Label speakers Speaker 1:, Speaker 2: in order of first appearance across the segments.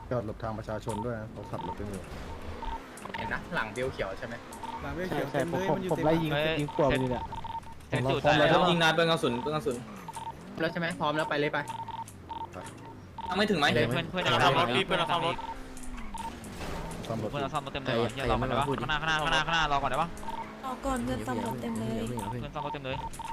Speaker 1: จอดหลบทางประชาชนด้วยนะเขาขับรถกันอยู่
Speaker 2: เห็นนะหลังเบลเขียวใช่ไหม
Speaker 3: หลังเบลเขียวเต็มเลยมันอยู่
Speaker 4: ผม
Speaker 3: เต็ม
Speaker 4: ไล่ยิงขวบเลยเนี่ย
Speaker 5: เซ็ตอยู่แต่แล้วยิงนานเบิ้งกระสุน
Speaker 2: แล้วใช่ไหมพร้อมแล้วไปเลยไป
Speaker 5: ยังไม่ถึงไหม
Speaker 6: เพื่อนเราซ่อมรถพี่เพื่อนเราซ่อมรถ
Speaker 1: ซ่อมรถ
Speaker 6: เพื่อนเราซ่อมรถเต็มเลยเฮียรอก่อนได้ปะข้างหน้ารอก่อนได้ปะ
Speaker 7: รอก่อนเพื่อนซ่อมรถเต็มเลย
Speaker 6: เพื่อนซ่อมรถเต็มเลย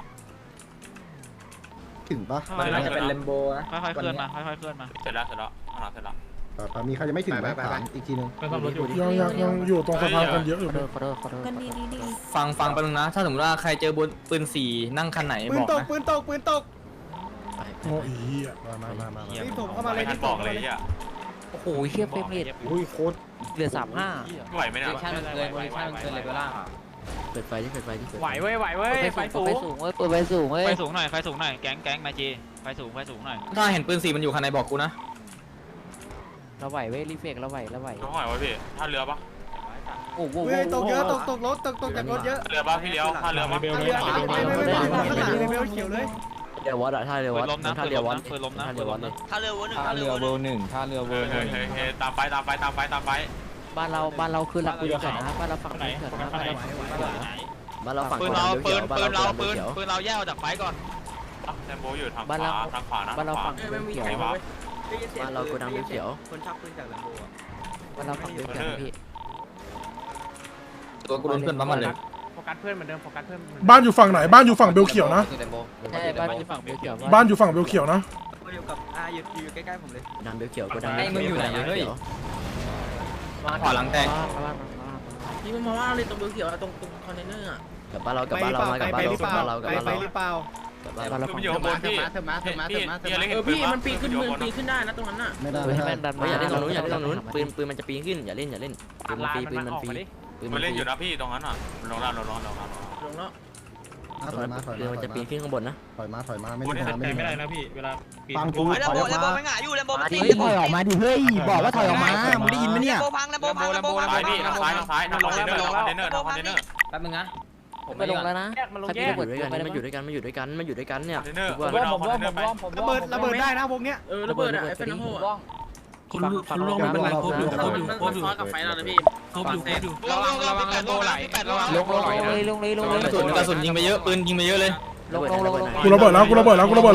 Speaker 1: ถึงปะ
Speaker 5: มันน่าจะเป็นเลมโบนะ
Speaker 6: ค่อยๆเคลื่อนมาค่อยๆเคลื่อนมา
Speaker 2: เสร็จแล้วเสร็จแล้วเสร็จแล้ว
Speaker 1: มีใครยังไม่ถึงไหมถามอีกทีนึง
Speaker 3: ยังอยู่ตรงสะพานกันเยอะอยู่
Speaker 4: ขอโทษ
Speaker 7: กันดีดี
Speaker 5: ฟังไปนึงนะถ้าสมมติว่าใครเจอบนปืนสี่นั่งคันไหน
Speaker 3: ปื
Speaker 5: บ
Speaker 3: น
Speaker 5: อก
Speaker 3: ตก
Speaker 5: นะ
Speaker 3: ปืนตกปืนตกโอ้ย
Speaker 1: มา
Speaker 3: รีบถมเข้ามาเลยรีบถมเข้ามาเลย
Speaker 4: โอ้โหเฮียเฟรมเรท
Speaker 1: อุ้ยโคตร
Speaker 4: เหลือ35
Speaker 6: ไหวไหมเนี่ย
Speaker 4: เปิดไฟที่เปิดไฟที่
Speaker 6: ไหวเว้ยไฟสูง
Speaker 4: ไฟสูงเว้ยเปิดไฟสูงเว้ย
Speaker 6: ไฟสูงหน่อยไฟสูงหน่อยแก๊งมาจีไฟสูงหน่อย
Speaker 5: ถ้าเห็นปืนสี่มันอยู่คันไหนบอกกูนะ
Speaker 4: เราไหวเว้ยรีเฟกเราไหว
Speaker 6: ต้องหอยไว้พี่ท่าเรือปะ
Speaker 4: โอ้โห
Speaker 3: เฮ้ยตกเยอะตกรถตกจากรถเยอะ
Speaker 6: เรือปะพี่เลี้ยวท่าเรือปะ
Speaker 3: เรือไม่ข้างหลังเลยเบลเขียวเลย
Speaker 4: เดี๋ยววัดอะท่าเรือวัด
Speaker 6: ล้มนะ
Speaker 4: ท่าเรือวัด
Speaker 6: เปิดล้มนะ
Speaker 4: ท่าเรือวัดเลย
Speaker 6: ท่าเรือวน
Speaker 8: ท่าเรือเวอร์หนึ่งท่าเรือเวอร์หนึ่ง
Speaker 6: ตามไป
Speaker 4: บ้านเราคือหลักปืนเกิดนะบ้านเราฝั่งปืนเกิดนะบ้านเราฝั่ง
Speaker 6: ปืน
Speaker 4: เขียว
Speaker 6: ปืน
Speaker 4: บ้านเรา
Speaker 6: เราแยกออกจากไฟก่อนแลมโบอยู่ทางขวานะ
Speaker 4: บ้านเราฝั่งปืนเขียว บ้านเราโกดังเขียว
Speaker 2: คนชักปืนจากลำโพง
Speaker 4: บ้านเราฝั่งปืนเขียวพี่
Speaker 5: ตัวกูโดนเพื่อนปั๊มมันเลย
Speaker 6: โฟกัสเพื่อนเหมือนเดิมโฟกัสเพื่อน
Speaker 3: บ้านอยู่ฝั่งไหนบ้านอยู่ฝั่งเบลเขียวนะ
Speaker 4: ใช่บ้านอยู่ฝั่งปืนเขียว
Speaker 3: บ้านอยู่ฝั่งเบลเขียวนะ
Speaker 2: อยู่กับอยู่ใกล้ๆผมเลย
Speaker 4: ดังเบลเขียวโกดัง
Speaker 5: ขวาหลังแตก
Speaker 2: พี่มันมาว่าเลยตรงเบลเขียวตรงคอนเทนเนอร์อ่ะ
Speaker 4: กับบ้านเรากับบ้านเรามากับบ้านเรากับบ้านเรากับบ้าน
Speaker 3: ไป
Speaker 4: เรา
Speaker 3: หรือเปล่า
Speaker 4: กับบ้านเราฝั่ง
Speaker 6: อยู่ข้างบนพี่
Speaker 2: เธอมา
Speaker 6: พี่
Speaker 2: มันปีนขึ้นปีนขึ้นได้นะตรงนั้นอ่ะ
Speaker 1: ไม่ได้
Speaker 4: ปืน
Speaker 1: ไม่
Speaker 4: ให้
Speaker 1: ได้
Speaker 4: แม่นดันมาอย่าเล่นตรงนู้นอย่าเล่นตรงนู้นปืนมันจะปีนขึ้นอย่าเล่นปืนมันฟรีปืนมันฟรีปืน
Speaker 6: มั
Speaker 4: มัน น
Speaker 6: เล่น
Speaker 4: ฟ
Speaker 6: อ
Speaker 4: รี
Speaker 6: ยู่นะพี่ตรงนั้นอ่ะลงแล้ว
Speaker 2: ลงแล้ว
Speaker 1: ถอยมา
Speaker 4: ปืนมันจะปีนขึ้นข้างบนนะ
Speaker 1: ถอยมาไม่ได้ไม่ได้นะพี่
Speaker 6: เวลา
Speaker 1: ฟังกูถอยออกมา
Speaker 4: ถอยออกมาดิเฮ้ยบอกว่าถอยออกมามึงได้ยินไหมเนี่ย
Speaker 6: ซ้ายพี่ซ้ายทางคอนเทนเนอร์
Speaker 5: แป๊บนึงนะ
Speaker 4: ไปลงแล้วนะใครพี่ระเบิดด้วยกันมันอยู่ด้วยกันเนี่ย
Speaker 3: ระเบิดได้นะวงเนี้ย
Speaker 2: ระเบิดอ่ะไอ้เฟนโฮอ่ะ
Speaker 4: คุณลงมันเป็นไรครบอยู่
Speaker 2: มันซ้อนกับไฟเราเลยพี่ครบอยู่
Speaker 6: ระวังแลมโบไหลระวัง
Speaker 4: ลง
Speaker 5: กระสุนยิงไปเยอะปืนยิงไปเยอะเลย
Speaker 3: กูระเบิดแล้ว
Speaker 6: ล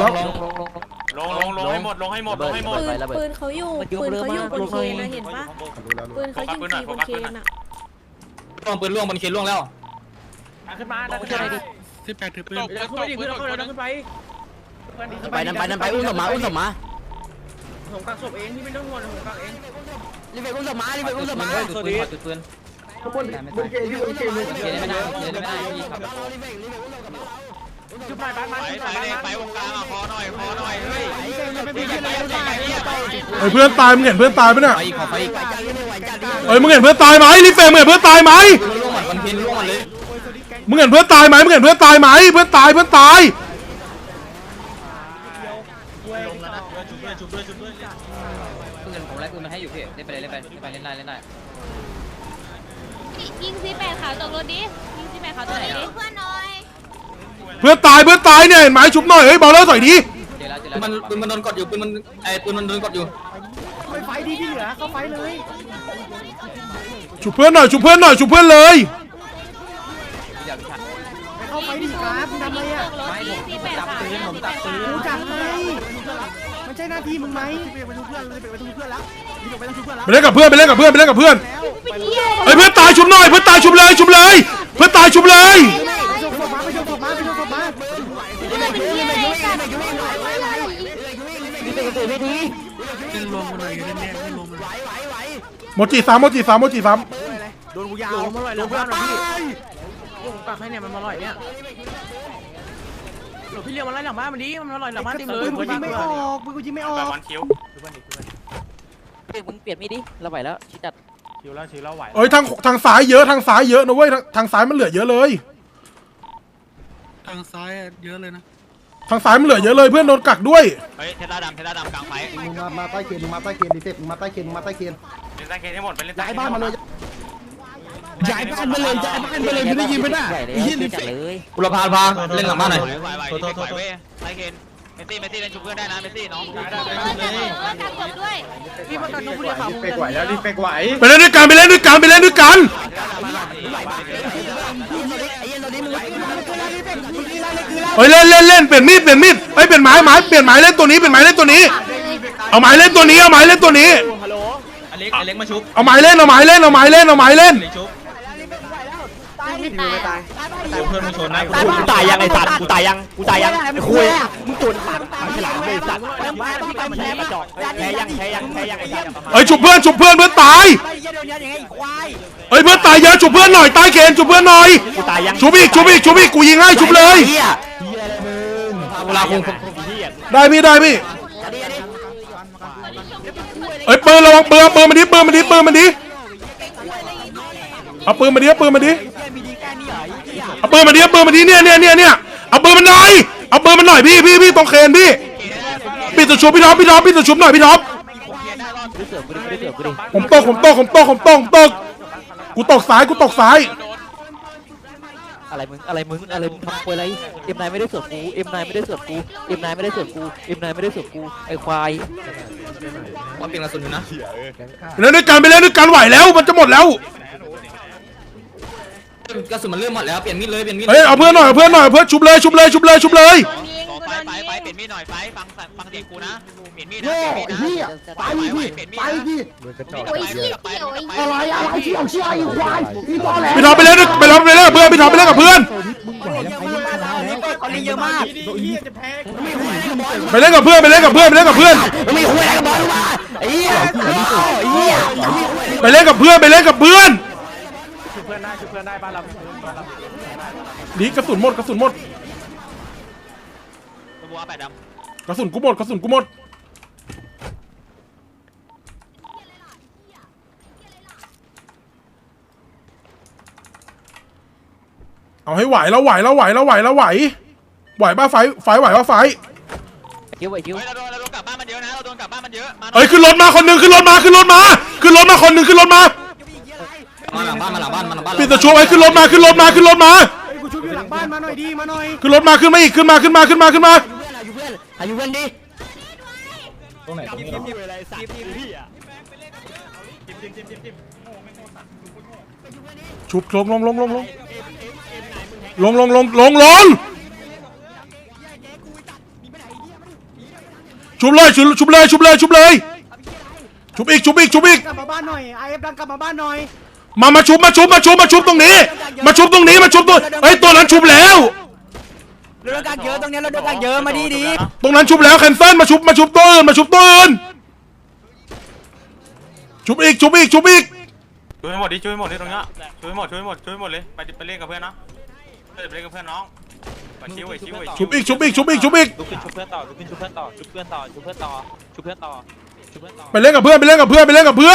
Speaker 6: งให้หมด
Speaker 7: ปืนเขาอยู่บนเคนนะเห็นปะปืนเขายิงทีบนเคนอ่ะ
Speaker 5: ล่วงปืนล่วงบนเคนล่วงแล้ว
Speaker 6: ขึ้นมา
Speaker 4: ช่วยหน่อยดิ
Speaker 2: ขึ้นไปดิขึ้นไป
Speaker 4: นั่นไปอุ้มศพมา
Speaker 2: ผมกักศพเองพี่ไม่ต้องห่วงผมกักเอง
Speaker 4: รีเฟกอุ้มศพมา
Speaker 5: ปืน
Speaker 6: ชุบหน่อยบ้านไปวงกลางคอหน่อยเฮ้ย
Speaker 3: เพื่อนตายมึงเห็นเพื่อนตายปะเนี่ย
Speaker 5: ไปอีกขอไปอีก
Speaker 3: มึงเห็นเพื่อนตายไหมรีเฟรมมึงเห็นเพื่อนตายไหม
Speaker 5: ล่วงหมดคอนเทนต์ล่วงหมดเลย
Speaker 3: มึงเห็นเพื่อนตายไหมเพื่อนตายเพื่อนตาย
Speaker 6: เงินผมไล่ปืนมาให้อยู่พี่เล่นไปเล่นได้
Speaker 7: ยิงซีแปดขาวตกรถดิยิงซีแปดขาวตกรถดิเพื่อนหน่อย
Speaker 3: เพื่อนตายเนี่ยเห็นไหมชุบหน่อยเฮ้ยเบาแล้วถอยดิ
Speaker 5: ปืนมันโดนกดอยู่ปืนมันโดนกดอยู่
Speaker 3: ไฟดีที่เหลือเข้าไฟเลยชุบเพื่อนเลยเข้าไฟดิครับมึงทำอะไรอ่ะ
Speaker 7: ไม่ผมจับปืน
Speaker 3: กูจับไงมันใช่หน้าที่มึงไหมไปทุกเพื่อนแล้วไปเล่นกับเพื่อนเฮ้ยเพื่อนตายชุบหน่อยเพื่อนตายชุบเลยไปชมศพมาโมจิสามโดนกูยาวมาลอยแล้วเพื่อนพี่ผมกักให้เนี่ยมันมาลอยเนี่ยหลบพี่เลี้ยวมาไล่หลังบ้านมันดีมันมาลอยหลังบ้านเต็มเลยกูยิงไม่ออก
Speaker 6: แบบวันคิว
Speaker 4: มึงเปลี่ยนมีดิเราไหวแล้วชิจัด
Speaker 6: ชิวแล้วไหว
Speaker 3: เอ้ยทางซ้ายเยอะนะเว้ยทางซ้ายมันเหลือเยอะเลยทางซ้ายมันเหลือเยอะเลยเพื่อนโดนกักด้วย
Speaker 6: เฮ้ยเทล่าดำกลางไฟ
Speaker 1: มึงมาใต้เคนมาใต้เคนดิเต็ปมึงมาใต้เคน
Speaker 6: เล่นใต้เคนให้หมดไปเล่น
Speaker 1: ย้ายบ้านมาเลย
Speaker 4: ย้ายบ้านไปเลยไม่ได้ยินไหมน่ะยินเลย
Speaker 5: กุลพาเล่นหลังบ้านหน่อย
Speaker 6: ไหวใต้เคนเมสซี่เล่นชุบเพื่อนได้นะเมสซี่น้อง
Speaker 7: กักศพด้วย
Speaker 2: พี่ประกันน้องผู้เดียวขา
Speaker 1: ไปไหวแล้วรีบไปไหว
Speaker 3: ไปเล่นด้วยกันไปเล่นด้วยกันไปเล่นด้วยกันเฮ้ยเล่นเล่นเล่นเปลี่ยนมีดเปลี่ยนมีดเฮ้ยเปลี่ยนไม้เปลี่ยนไม้เล่นตัวนี้เปลี่ยนไม้เล่นตัวนี้เอาไม้เล่นตัวนี้เอาไม้เล่นตัวนี้
Speaker 5: อเล็กมาชุบ
Speaker 3: เอาไม้เล่นเอาไม้เล่นเอาไม้เล่นเอาไม้เล่น
Speaker 5: ชุบ
Speaker 7: ไม่ตาย
Speaker 5: เพื่อนมึงชนนะ
Speaker 4: กูตายยังไอ้สัตว์กูตายยังคุยมึงตุ่นปากฉลามเลยสัตว์แพ้กระจอกแพ้ยังไอ้สัตว์
Speaker 3: เฮ้ยฉุบเพื่อนเพื่อนตายเฮ้ยเพื่อนตายเยอะฉุบเพื่อนหน่อยใต้เคนฉุบเพื่อนหน่อย
Speaker 4: กูตายยัง
Speaker 3: ฉุบอีกกูยิงให้ฉุบเลย
Speaker 5: เวลาคง
Speaker 3: ได้พี่เฮ้ยปืนระวังปืนมันดิเอาปืนมาดิเอาปืนมาดิเอาปืนมาดิเอาปืนมาดิเนี่ยเอาปืนมันหน่อยพี่ตรงเคนพี่ปิดตัวชุบพี่ท็อปปิดตัวชุบหน่อยพี่ท็อปผมตกกูตกซ้าย
Speaker 4: อะไรมึงทำควยอะไรเอ็มนายไม่ได้เสือกกูเอ็มนายไม่ได้เสือกกูไอ้ควาย
Speaker 5: ว่าเปลี่ยนกระสุนอยู่นะ
Speaker 3: ไปเล่นด้วยกันไหวแล้วมันจะหมดแล้ว
Speaker 5: กระสุนมันเริ่มหมดแล้วเปลี่ยนมีดเลย
Speaker 3: เฮ้ยเอาเพื่อนหน่อยชุบเลย
Speaker 6: ไฟเปลี่ยนมีดหน่อยไฟฟังเด็กกูนะเปลี่ยนมีดนะเปลี่ยนมีดนะไปเปลี่ยนมีดนะ
Speaker 7: โอ้ยเชี่ยวไอ้
Speaker 1: อะไรเชี่ยวไอ้ควายพี่ตอแหล
Speaker 3: พี่ท็อปไปเล่นกับเพื่อนพี่ท็อปไปเล่นกับเพื่อนไปเล่นกับเพื่อนไปเล่นกับเพื่อนไปเล่นกับเพื่อนดีกระสุนหมด
Speaker 6: บัวแปดดำ
Speaker 3: กระสุนกูหมดเอาให้ไหวแล้วไหวป่ะไฟไหวป่ะไฟ
Speaker 4: คิว
Speaker 6: เราโดนกลับบ้านมันเยอะนะ
Speaker 3: เอ้ยขึ้นรถมาคนหนึ่งขึ้นรถมาคนหนึ่งขึ้นรถมา
Speaker 5: มาหลังบ้าน
Speaker 3: ปิดตัวช่วยไว้ขึ้นรถมา
Speaker 1: กูชุบอยู่หลังบ้านมาหน่อย
Speaker 3: ขึ้นรถมาขึ้นมาอีกขึ้นมา
Speaker 4: อายุเพื่อนดิ
Speaker 8: ตรงไหนตรงนี้เหรอ
Speaker 3: ชุบลงชุบเลยชุบอีก
Speaker 1: กลับมาบ้านหน่อยไอเอฟดังกลับมาบ้านหน่อย
Speaker 3: มาชุบตรงนี้เฮ้ยตัวนั้นชุบแล้ว
Speaker 4: เราโดนกักเยอะตรงนี้เราโดนกักเยอะมาดี
Speaker 3: ตรงนั้นชุบแล้วแคนเซิลมาชุบตัวอื่นชุบอีก
Speaker 6: ช่วยหมดดิตรงเนี้ยช่วยหมดเลยไปเล่นกับเพื่อนนะไปเล่นกับเพื่อนน้องชิว
Speaker 3: ชุบอีก
Speaker 6: ชุบเพื่อนต่อ
Speaker 3: ไปเล่นกับเพื่อนไปเล่นกับเพื่อน
Speaker 6: เพื่อนก่อนเพื่อน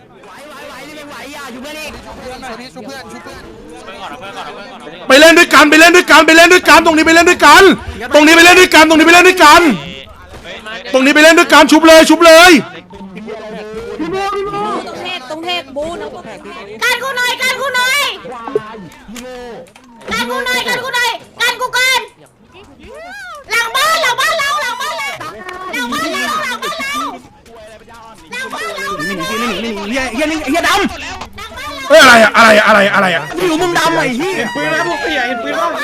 Speaker 3: ไปเล่นด้วยกันตรงนี้ไปเล่นด้วยกันชุบเลย
Speaker 7: ตรงเทพบูนะการกูหน่อยกันกูกันหลังบ้านเรา
Speaker 1: เฮียดำ
Speaker 3: เฮ้ยอะไรอ่ะ
Speaker 1: อยู่มุมดำไอ้เฮียปืนนะพวกเฮียเห็นปืนบ้าง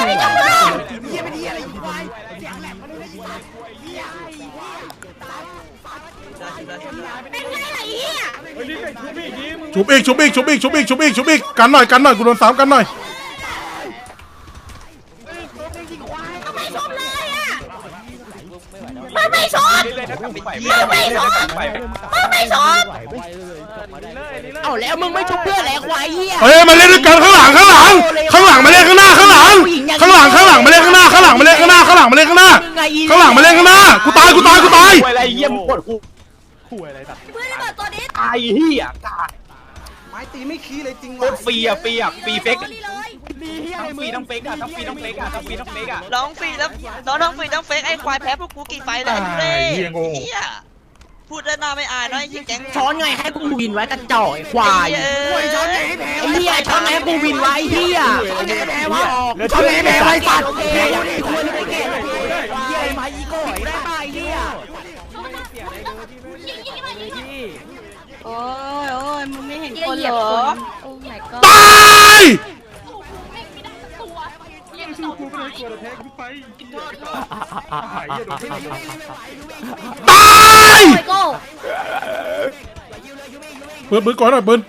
Speaker 7: เป็นไงล่ะเฮีย
Speaker 3: ชุบอีกกันหน่อยกูโดน3กันหน่อย
Speaker 7: มึงไม่ชนเอาแล้วมึงไม่ชุบเพื่อนแหละควายเหี้ย
Speaker 3: เฮ้ยมาเล่นด้วยกันข้างหลังมาเล่นข้างหน้าข้างหลังมาเล่นข้างหน้ามาเล่นข้างหน้ากูตาย
Speaker 1: อะไรเยี่ยมปวดกูคุยอะไรสัตว์
Speaker 7: เพื่อนเปิดตัวนี้
Speaker 1: ไอ้เหี้ยกาดไม้ตีไม่ขี้เลยจริงวะฟรีเฟกต้องเฟกอะ
Speaker 6: ร้องฟรีแล้วน้องฟรีต้องเฟกไอ้ควายแพ้พวกกูกี่ไฟแล้วเฮ้ยพูดได้หน้าไม่อายน้อยยิ่งแก๊ง
Speaker 4: ช้อนไงให้กูวินไว้กระจอกไอ้ควายช้อนไงให้แพ้ไอ้เหี้ยช้อนไงให้กูวินไว้เหี้ยช้อนไงให้แพ้วะช้อนไงให้แพ้ไว้สัตว์แพ้ยังไงควรไม่เก่งเหี้ยไอ้ไม้อีโก้ได้ป่ะไอ้เหี้ย
Speaker 7: ยิง
Speaker 6: โอ้ยมึงไม่เห็น
Speaker 7: เหี้ย
Speaker 6: คน
Speaker 7: เห
Speaker 6: เห
Speaker 7: ยี
Speaker 6: ร
Speaker 7: ยบ
Speaker 6: อ
Speaker 7: คนโอ้ my god
Speaker 3: ตายตาย
Speaker 7: โอ้ยโก้
Speaker 3: ปืนก่อนหน่อยปืน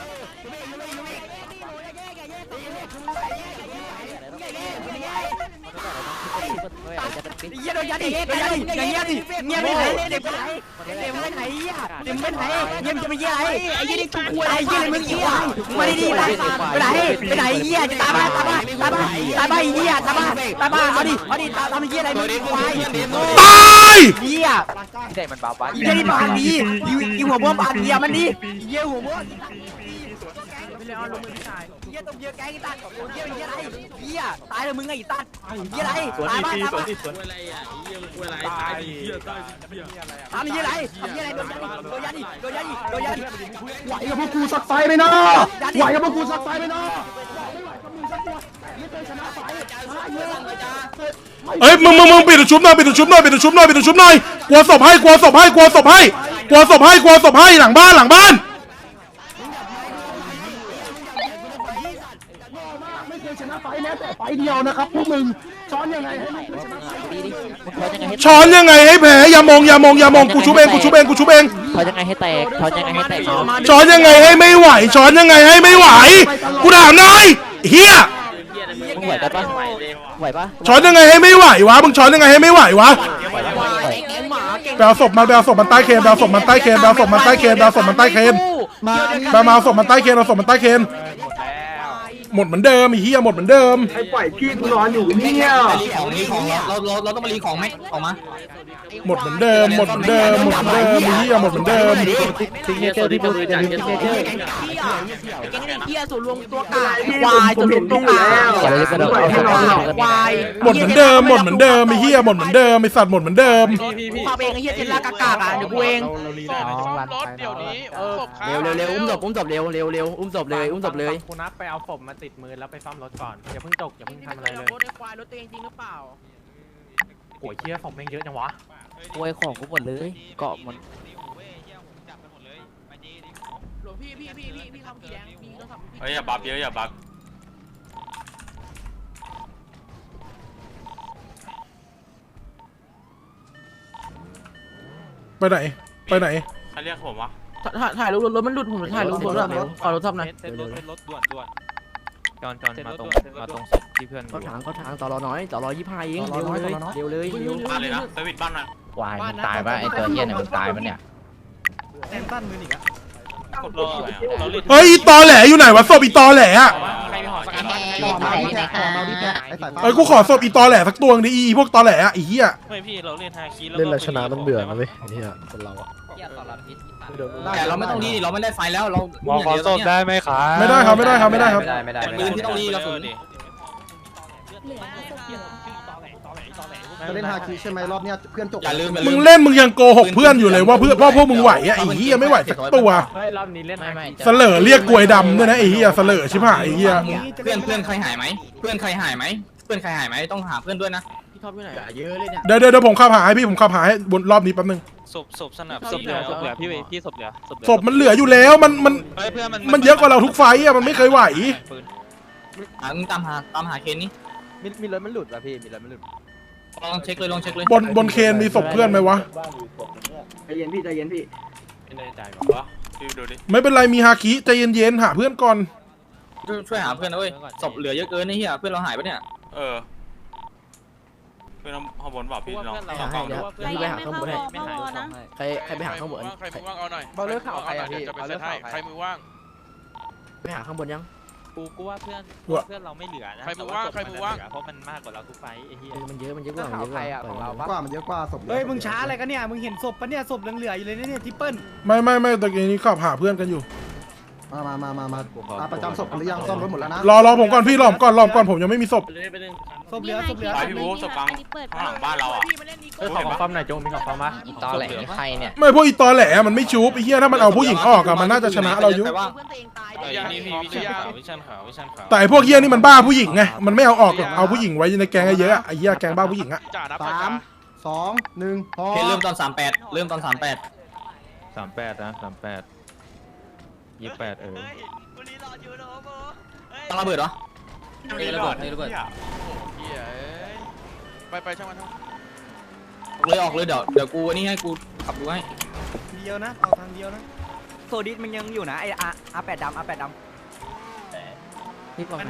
Speaker 4: เยี่ยโดนยัดดิโดนยัดดิเงียบดิเงียบไปไหนเด็กไปไหนเด็กไปไหนเยี่ยเด็กไปไหนเยี่ยมจะไปเยี่ยอะไรไอ้เยี่ยนี่ชุบกูอะไรเยี่ยอะไรมึงเยี่ยมาดีๆไปไหนไปไหนเยี่ยจะตามมาเยี่ยตามมาเอาดิตามเยี่ยอะไรมึงควาย
Speaker 3: ตาย
Speaker 4: เยี่ยเด็กมันบ้าบ้าเยี่ยนี่บานดียิงหัวบ้วบานเยี่ยมันดีเยี่ยหัวบ้วเยี่ยตบเยี่ยแกงอีตัดเยี่ยอะไรเยี่ยตายเลยมึงไงอีตัดเยี่ยอะไรตายบ้านตายบ้าน
Speaker 2: อะไรอ่ะเยี่ยมกูอะไรตายเหี้ยตายเหี้ย
Speaker 4: ทำยี่ไรโดนยัดดิไหวกับพวกกูสักไฟไหมเนาะไหวกับพวกกูสักไฟไหมเนาะ
Speaker 3: เอ้ยมึงปิดชุบหน่อยกลัวศพให้หลังบ้าน
Speaker 4: ไม่เคยชนะไฟแม้แต่ไฟเดียวนะครับพวกมึงช้อนยังไงให้ไม่เคยชนะไฟ
Speaker 3: ช้อนยังไงให้แผลอย่ามองกูชุบเอง
Speaker 4: ช้อนยังไงให้แตก
Speaker 3: ช้อนยังไงให้ไม่ไหวกูถามหน่อยเฮีย
Speaker 4: มึงไหวปะ
Speaker 3: ช้อนยังไงให้ไม่ไหววะมึงช้อนยังไงให้ไม่ไหววะแบลศพมันใต้เคนมาเอาศพมันใต้เคนเอาศพมันใต้เคนหมดเหมือนเดิมไอ้เหี้ยหมดเหมือนเดิม
Speaker 5: รีของเราต้องมารีของไหมออกมา
Speaker 3: หมดเหมือนเดิมไอ้เหี้ยหมดเหมือนเดิม
Speaker 4: ซิงเกิลที่มึงจะซิงเกิลแกงเฮียส่วนรวมตัวกายควายส่วนรวมตัวกายควาย
Speaker 3: หมดเหมือนเดิมไอ้เหี้ยหมดเหมือนเดิมไอ้สัตว์หมดเหมือนเดิม
Speaker 4: พาเองไอ้เฮียเจนลากากอ่ะเดี๋ยวกูเองเร็วอุ้มศพเร็วอุ้มศพเลย
Speaker 9: คุณนับไปเอาศพมาติดมือแล้วไปซ่อมรถก่อนอย่าเพิ่งอย่าเพิ่งทำอะไรเลย
Speaker 2: รถไอ้ควายรถตัวเองจริงหรือเปล่า
Speaker 9: โอ้ยเชี่ยศพแม่งเยอะจังวะ
Speaker 4: กล้วยของกูหมดเลยเกาะหมด
Speaker 2: หลวงพี่ทำกี่แดงมีโทรศัพท์พี่
Speaker 10: เฮ้ยอย่าบัฟเยอะอย่าบัฟ
Speaker 3: ไปไหน
Speaker 10: ใครเรียกผมวะ
Speaker 2: ถ่ายรูปรถมันหลุดผมถ่ายรูปรถขอรถทับหน่อย
Speaker 10: เต้นรถด่วน
Speaker 5: จอนมาตรงที่เพื่อน
Speaker 4: เขาถางต่อรอน้อยต่อรอ25เองเร็วเลย
Speaker 10: บ้านเลยนะเซอร์วิสบ้านนะ
Speaker 5: วายมันตายปะไอตัวเหี้ยเนี่ยมันตายปะเนี่ย
Speaker 3: เฮ้ยอีตอแหลอยู่ไหนวะศพอีตอแหลอะ
Speaker 10: ใครมีหอสกันบ้าง
Speaker 3: เอ้ยกูขอศพอีตอแหลสักตัวนึงดิอีพวกตอแหลอะไอ้เหี้ย
Speaker 10: ไม่พี่เราเล่นฮาคิแล้ว
Speaker 8: เล่นแล้วชนะมันเบื่อนะเว้ยไอ้เนี่ยคนเราอะ
Speaker 5: แต่เราไม่ต้องรีเราไม่ได้ไฟแล้วเรา
Speaker 8: ขอศพได้ไหมครับ
Speaker 3: ไม่ได้ครับ
Speaker 5: แต่ปืนที่ต้องรีเราสุด
Speaker 1: จะเล่นฮาคิใช่ไหมรอบเนี้ยเพื่อนจบ
Speaker 5: อย่าลืม
Speaker 3: มึงเล่นมึงยังโกหกเพื่อนอยู่เลยว่าพวกมึงไหวอะไอ้เหี้ยไม่ไหวสักตัว
Speaker 9: เฮ้ยรอบนี้เล่นไม่
Speaker 3: เสลอเรียกกลวยดำด้วยนะไอ้เหี้ยเสลอชิบหายไอ้เหี้ย
Speaker 5: เพื่อนใครหายไหมต้องหาเพื่อนด้วยนะ
Speaker 2: พี่ท็อปอยู่ไหน
Speaker 4: เยอะเลยเนี่ย
Speaker 3: เดี๋ยวผมขับหาให้พี่ผมขับหาให้บนรอบนี้แป๊บนึง
Speaker 10: ศพสนับศพเหลือพี่ศพเหลือ
Speaker 3: ศพมันเหลืออยู่แล้วมันเยอะกว่าเราทุกไฟอะมันไม่เคยไหว
Speaker 5: ตามหาเคนนี่
Speaker 4: มีรถมันหลุดป่ะพี่มีรถมันหลุด
Speaker 5: ลองเช็คเลย
Speaker 3: บนเคนมีศพเพื่อนไหมวะ
Speaker 4: ใจเย็นพี่
Speaker 10: ไม่แน่ใจวะพี่ดูดิ
Speaker 3: ไม่เป็นไรมีฮาคิใจเย็นๆหาเพื่อนก่อน
Speaker 5: ช่วยหาเพื่อนนะเว้ยศพเหลือเยอะเกินนี่เฮียเพื่อนเราหายปะเนี่ย
Speaker 10: เพื่อนข้างบนบอกพี่น้อง
Speaker 7: ใจเย็นไม่เข้าวอนะ
Speaker 4: ใครไปหาข้างบน
Speaker 10: ใครมือว่างเอาหน่อย
Speaker 9: เบาเลือกข่าวใครอ่ะพี่
Speaker 10: จะไปเซตให้ใครมือว่าง
Speaker 4: ไปหาข้างบนยัง
Speaker 10: กูว่าเพื่อนเราไม่เหลือนะเพราะมันมากกว่าเราทุกไฟไอ้เหี้ย
Speaker 4: มันเยอะกว่าใครอ่ะของเรา
Speaker 1: กว่ามันเยอะกว่าศพ
Speaker 8: เฮ้ยมึงช้าอะไรกันเนี่ยมึงเห็นศพปะเนี่ยศพเหลือๆอยู่เลยเนี่ยทิปเปิล
Speaker 3: ไม่ตะกี้นี้ขับหาเพื่อนกันอยู่
Speaker 1: มาประจำศพหรือยังซ่อมรถหมดแล้วนะ
Speaker 3: รอผมก่อนพี่รอก่อนผมยังไม่มีศพ
Speaker 8: ศพเหลือ
Speaker 10: ไปพี่บู๊สปังข้างหลังบ้านเราอ่ะ
Speaker 9: เฮ้ยของฟอมหน่อยโจมีของฟอมปะ
Speaker 5: ตอแหลใครเนี่ย
Speaker 3: ไม่พวกอีตอแหลมันไม่ชูบไอ้เหี้ยถ้ามันเอาผู้หญิงออกอะมันน่าจะชนะเราอยู่
Speaker 10: นี่พี่วิชันขาว
Speaker 3: แต่ไอ้พวกเหี้ยนี่มันบ้าผู้หญิงไงมันไม่เอาออกหรอกเอาผู้หญิงไว้ในแกงเยอะอะไอ้เหี้ยแกงบ้าผู้หญิงอะ
Speaker 10: จ่านับ
Speaker 1: 3 2 1พอ
Speaker 5: เคนเริ่มตอน38
Speaker 9: 38นะ38 28
Speaker 6: กูรีรออยู่นะโม
Speaker 5: ต้องระเบิดเหรอ
Speaker 2: ระเบิดระเบิด
Speaker 10: ไปช่างมัน
Speaker 5: ออกเลยเดี๋ยวกูนี่ให้กูขับดูให้
Speaker 8: เดียวนะเอาทางเดียวนะ
Speaker 4: โซดิสมันยังอยู่นะไอ้อาแปดดำ
Speaker 2: พี่บอก